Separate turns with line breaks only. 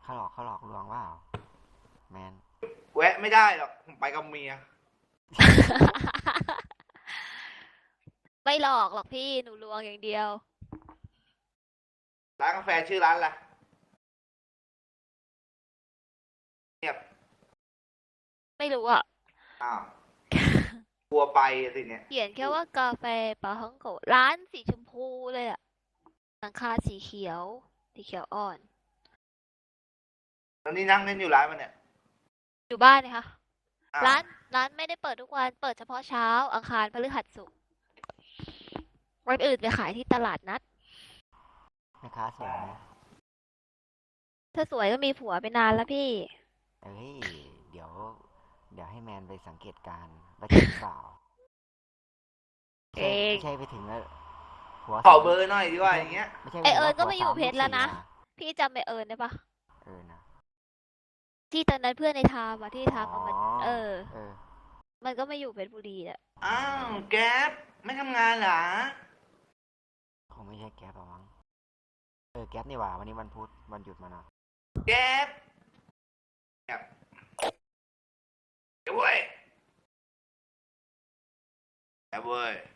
เขาหลอกลวงว่าแมน
แวะไม่ได้หรอกผมไปกับเมีย
ไม่หลอกหรอกพี่หนูลวงอย่างเดียว
ร้านกาแฟชื่อร้านอะไรเงียบ
ไม่รู้อ่ะ
อ้าวกลัวไปสิเนี่ย
เขียนแค่ว่ากาแฟปาฮังโกะร้านสีชมพูเลยอ่ะหลังคาสีเขียวสีเขียวอ่อน
แล้วนี่นั่งเล่นอยู่ร้านมันเนี่ย
อยู่บ้านนะคะ
อ้าว
ร้านไม่ได้เปิดทุกวันเปิดเฉพาะเช้าอังคารพฤหัสศุกร์วันอื่นไปขายที่ตลาดนัด
แม่ค้าสวยไหม
ถ้าสวยก็มีผัวไปนานแล้วพี่
เอ้ยเดี๋ยวเดี๋ยวให้แมนไปสังเกตการณ์ว่าจริงเปล่า
เอ
ไม่
ง
ใช่ไปถึงแล้วหัว
ขอ
สาม
เบอร์หน่อยดีกว่าอย่างเงี้ย
ไม่ใช่
ไอเอิ
แบบว่า
ญก็มาอยู่
หัวสาม
เพชรแล้วนะ
ลูกสี่
พี่จำไอเอิญได้ปะ
นะ
ที่ตอนนั้นเพื่อนในทามอะที่ทามเอามาเออ
เออ
มันก็มาอยู่เพชรบุรีแหละ
อ้าวแก๊ปไม่ทำงานเหรอ
คงไม่ใช่แก๊ปหรอกมั้งแก๊ปนี่หว่าวันนี้วันพุธวันหยุดมาเนาะ
แก๊ปแก๊ปเดี๋ยวเว้ยแก๊ปเว้ย